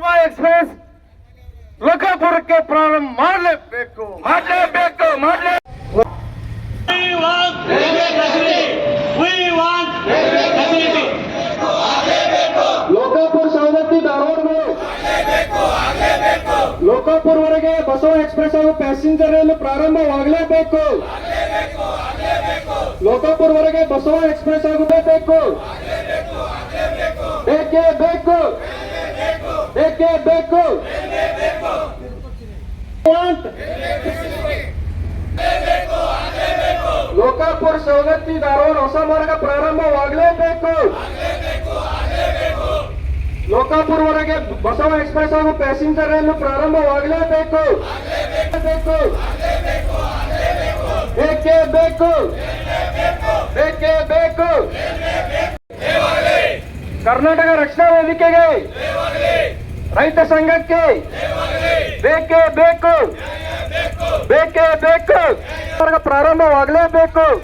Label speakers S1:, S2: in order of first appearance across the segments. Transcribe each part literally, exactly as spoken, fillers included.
S1: Basava express ಲೋಕಾಪುರಕ್ಕೆ ಪ್ರಾರಂಭ ಮಾಡಲೇಬೇಕು ಮಾಡಲೇಬೇಕು ಮಾಡಲೇ ಲೋಕಾಪುರ ಸವದತ್ತಿ ಧಾರವಾಡಗಳು ಲೋಕಾಪುರವರೆಗೆ ಬಸವ ಎಕ್ಸ್ಪ್ರೆಸ್ ಹಾಗೂ ಪ್ಯಾಸೆಂಜರ್ ರೈಲು ಪ್ರಾರಂಭವಾಗಲೇಬೇಕು. ಲೋಕಾಪುರವರೆಗೆ ಬಸವ ಎಕ್ಸ್ಪ್ರೆಸ್ ಆಗಬೇಕು. ಬೇಕೇ ಬೇಕು ಬೇಕೇ ಬೇಕು ಲೋಕಾಪುರ ಸವದತ್ತಿ ಧಾರವಾಡ ಹೊಸ ಮಾರ್ಗ ಪ್ರಾರಂಭವಾಗಲೇಬೇಕು. ಲೋಕಾಪುರವರೆಗೆ ಬಸವ ಎಕ್ಸ್ಪ್ರೆಸ್ ಹಾಗೂ ಪ್ಯಾಸೆಂಜರ್ ರೈಲು ಪ್ರಾರಂಭವಾಗಲೇಬೇಕು. ಬೇಕೇ ಬೇಕು ಬೇಕೇ ಬೇಕು ಕರ್ನಾಟಕ ರಕ್ಷಣಾ ವೇದಿಕೆಗೆ, ರೈತ ಸಂಘಕ್ಕೆ ಬೇಕೇ ಬೇಕು ಬೇಕೇ ಬೇಕು ಪ್ರಾರಂಭವಾಗಲೇಬೇಕು.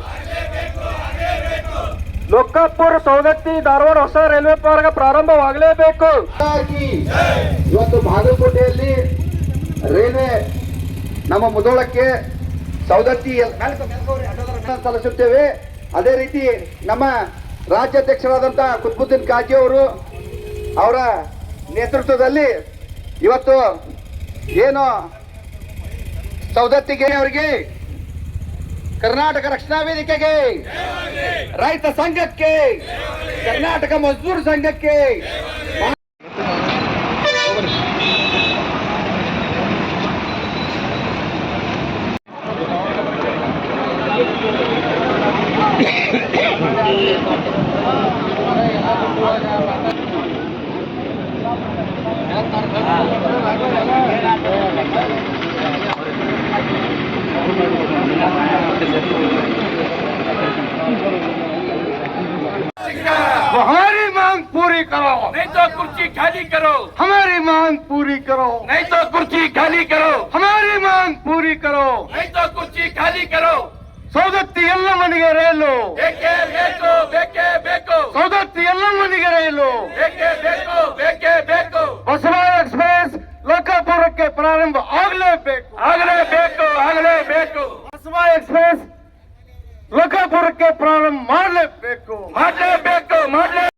S1: ಲೋಕಾಪುರ ಸವದತ್ತಿ ಧಾರವಾಡ ಹೊಸ ರೈಲ್ವೆ ಮಾರ್ಗ ಪ್ರಾರಂಭವಾಗಲೇಬೇಕು.
S2: ಇವತ್ತು ಬಾಗಲಕೋಟೆಯಲ್ಲಿ ರೈಲ್ವೆ ನಮ್ಮ ಮುಧೋಳಕ್ಕೆ ಸವದತ್ತಿ ಸಲ್ಲಿಸುತ್ತೇವೆ. ಅದೇ ರೀತಿ ನಮ್ಮ ರಾಜ್ಯಾಧ್ಯಕ್ಷರಾದಂತಹ ಕುತುಬುದ್ದೀನ್ ಕಾಜಿ ಅವರು ಅವರ ನೇತೃತ್ವದಲ್ಲಿ ಇವತ್ತು ಏನು ಸವದತ್ತಿಗೆ ಅವರಿಗೆ, ಕರ್ನಾಟಕ ರಕ್ಷಣಾ ವೇದಿಕೆಗೆ, ರೈತ ಸಂಘಕ್ಕೆ, ಕರ್ನಾಟಕ ಮಜ್ದೂರ್ ಸಂಘಕ್ಕೆ
S1: हमारी मांग पूरी करो,
S3: नहीं तो कुर्सी खाली करो।
S1: हमारी मांग पूरी करो,
S3: नहीं तो कुर्सी खाली करो।
S1: हमारी मांग पूरी करो.
S3: नहीं तो कुर्सी खाली करो।
S1: ಸವದತ್ತಿ ಯಲ್ಲಮ್ಮನಿಗೆ ರೈಲು,
S3: ಬೇಕೇ ಬೇಕು ಬೇಕೇ ಬೇಕು.
S1: ಸವದತ್ತಿ ಯಲ್ಲಮ್ಮನಿಗೆ ರೈಲು,
S3: ಬೇಕೇ ಬೇಕು ಬೇಕೇ ಬೇಕು.
S1: ಬಸವ ಎಕ್ಸ್ಪ್ರೆಸ್ ಲೋಕಾಪುರಕ್ಕೆ ಪ್ರಾರಂಭ ಆಗಲೇಬೇಕು.